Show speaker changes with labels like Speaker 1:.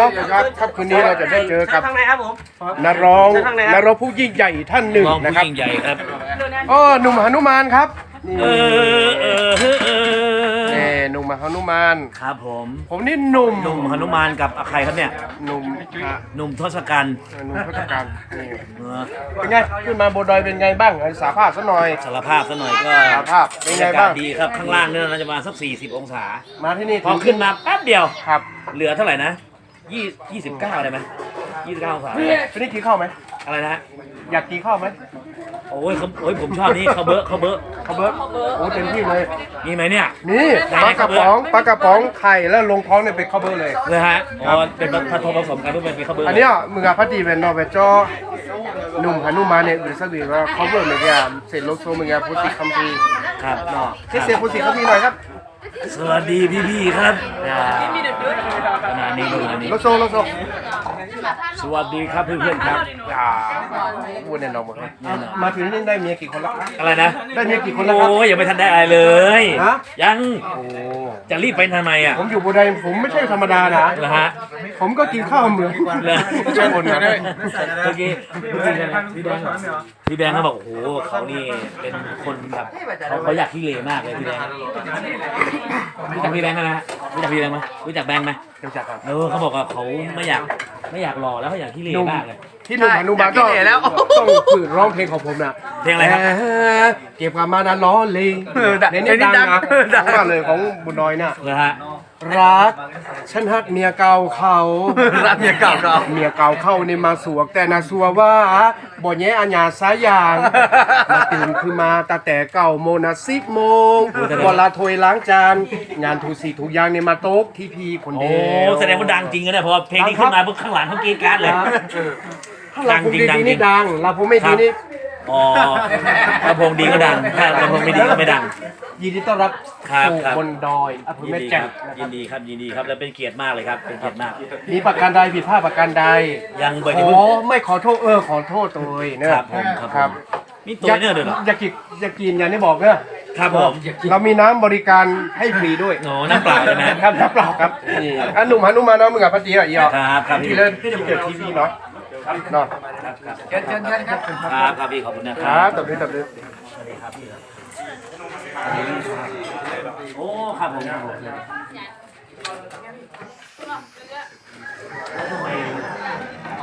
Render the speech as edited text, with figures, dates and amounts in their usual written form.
Speaker 1: นาะครับคืนนี้เราจะได้เจอกับ
Speaker 2: ทางไหนครับผม
Speaker 1: นักร้องผู้ยิ่งใหญ่ท่านหนึ่ง
Speaker 3: ร้อง
Speaker 1: นะ
Speaker 3: ผู้
Speaker 1: ครับ
Speaker 3: ยิ่งใหญ่ครับ
Speaker 1: อ๋อหนุ่มหนุมานครับนี่
Speaker 3: เออ
Speaker 1: นี่หนุ่มหนุมาน
Speaker 3: ครับผม
Speaker 1: ผมนี่หนุ่ม
Speaker 3: หนุ่มหนุมานกับใครครับเนี่ย
Speaker 1: หนุ่ม
Speaker 3: หนุ่มทศกัณฐ์
Speaker 1: หนุ่มพุทธการนี่
Speaker 3: เออ
Speaker 1: เป็นไงขึ้นมาบนดอยเป็นไงบ้างสาภาพซะหน่อย
Speaker 3: สารภาพซะหน่อยก็
Speaker 1: สารภาพเป็นไง
Speaker 3: บรรยากา
Speaker 1: บ้า
Speaker 3: ศ
Speaker 1: ง
Speaker 3: ดีครับข้างล่างเนี่ยน่าจะประมาณสัก40 องศา
Speaker 1: มาที่นี่
Speaker 3: พอขึ้นมาแป๊บเดียว
Speaker 1: ครับ
Speaker 3: เหลือเท่าไหร่นะ29ได้ไหม29 องศา
Speaker 1: พี่นี่กินข้าวไหม
Speaker 3: อะไรนะฮะ
Speaker 1: อยากกินข้าวไหม
Speaker 3: โอ้ยผมชอบนี่ข้าวเบอะข้าวเบอะ
Speaker 1: ข้าวเบิร์ดโอ้เต็มที่เลย
Speaker 3: มีไหมเนี่ย
Speaker 1: นี่ปลากระป๋องไข่แล้วลงท้องเนี่ยเป็นข้าวเบิร์ดเลย
Speaker 3: เลยฮะอ๋อเป็นผสมกันเพื่อเป็นข้าวเบอะ
Speaker 1: อันเนี้ยมึงอะพัดดีเป็นนอเวจอหนุ่มหนุมานเนี่ยหรือสักวีว่าข้าวเบิร์ดเหมือนกันเสร็จโลโซมึงอะพุทธิคัมภีร์
Speaker 3: ครับ
Speaker 1: เนาะเสียพุทธิคัมภีร์หน่อยครับ
Speaker 3: สวัสดีพี่ๆครับขณะนี้ดูนะนี่
Speaker 1: โลโซ
Speaker 3: สวัสดีครับเพื่อนๆครับ
Speaker 1: อ่าพูดแน่นอนหมดเลยมาถึงนี่ได้เมียกี่คนแล้ว
Speaker 3: อะไรนะ
Speaker 1: ได้เมียกี่คนแล้วครับ
Speaker 3: โอ้ยยังไม่ทันได้อะไรเลย
Speaker 1: ฮะ
Speaker 3: ยัง
Speaker 1: โอ้
Speaker 3: จะรีบไปทำไมอ่ะ
Speaker 1: ผมอยู่บูไดผมไม่ใช่ธรรมดานะ
Speaker 3: เหรอฮะ
Speaker 1: ผมก็กินข้าวเหมือน
Speaker 3: เหรอ
Speaker 1: ไม่ใช่คนนะ
Speaker 3: เมื่อกี้พี่แบงค์เขาบอกโอ้โหเขานี่เป็นคนแบบเขาอยากขี้เหร่มากเลยพี่แบงค์รู้จักพี่แบงค์ไหมฮะรู้จักพี่แบงค์ไหมรู้จักแบงค์ไหม
Speaker 1: รู้จักครับ
Speaker 3: เขาบอกว่าเขาไม่อยากหล่อแล้วเขาอยากขี้เหร่มากเลย
Speaker 1: ที่หนุ่มหนุมานก็ต้องฝืนร้องเพลงของผมนะ
Speaker 3: เพลงอะไรครับ
Speaker 1: เก็บความมานะล้อเลยเนี่ยดังนะดังมากเลยของบุญน้อยน่ะ
Speaker 3: เหรอฮะ
Speaker 1: รักฉันฮักเมียเก่าเขา
Speaker 2: รักเมียเก่าเรา
Speaker 1: เมียเก่าเข้านี่มาสวกแต่นาสัวว่าบ่แย่อัญญาสายอย่างมาตื่นคือมาตาแต่เก่าโมนะ10 โมงเวลาถวยล้างจานงานถูสีถูกอยางนี่มาโต๊ะที่พีคน
Speaker 3: โอ้
Speaker 1: เดียว
Speaker 3: แสดงว่าดังจริงนะเนี่ยเพราะว่าเพลงนี้ขึ้นมาปุ๊บข้างหลังเขากรีดกราร์ดเลย
Speaker 1: ถ้าเราภูมิดีนี่ดังเราภูมิไม่ดีนี่
Speaker 3: อ๋อลำโพงดีก็ดังถ้าลำโพงไม่ดีก็ไม่ดัง
Speaker 1: ยินดีต้อนรับ
Speaker 3: ครับ
Speaker 1: สู่
Speaker 3: ครับ
Speaker 1: บนดอยอำเภอ
Speaker 3: ยิน
Speaker 1: แม่
Speaker 3: ดีค
Speaker 1: แจ่ม
Speaker 3: รับยินดีครับยินดีครับและเป็นเกียรติมากเลยครับเป็นเกียรติมาก
Speaker 1: มีประการใดผิดพลาดประการใด
Speaker 3: ยังเบิร์
Speaker 1: ข
Speaker 3: ด
Speaker 1: อ
Speaker 3: เพิ่ง
Speaker 1: ไม่ขอโทษขอโทษตัวเองนะครับ
Speaker 3: ผมครับ
Speaker 1: ครับ
Speaker 3: มีตัวเนี่ยด้วยเหรอ
Speaker 1: อยากกินอย่างที่บอกเนอะ
Speaker 3: ครับผม
Speaker 1: เรามีน้ำบริการให้ฟรีด้วย
Speaker 3: โอ้น้ำเปล่าใช่ไหม
Speaker 1: ครับน้ำเปล่าครับนี่อันหนุ่มหนุมานเนาะมึงกับพัทจีอ่ะอีอ่ะ
Speaker 3: ครับครับ
Speaker 1: ที่เล่นที่เกิดทีวีเนาะเนาะ
Speaker 2: เชิญครับ
Speaker 3: ครับครับพี่ขอบคุณนะค
Speaker 1: ค
Speaker 3: รั
Speaker 1: รั
Speaker 3: บบ
Speaker 1: ตับเลย
Speaker 3: โอ้ครับผม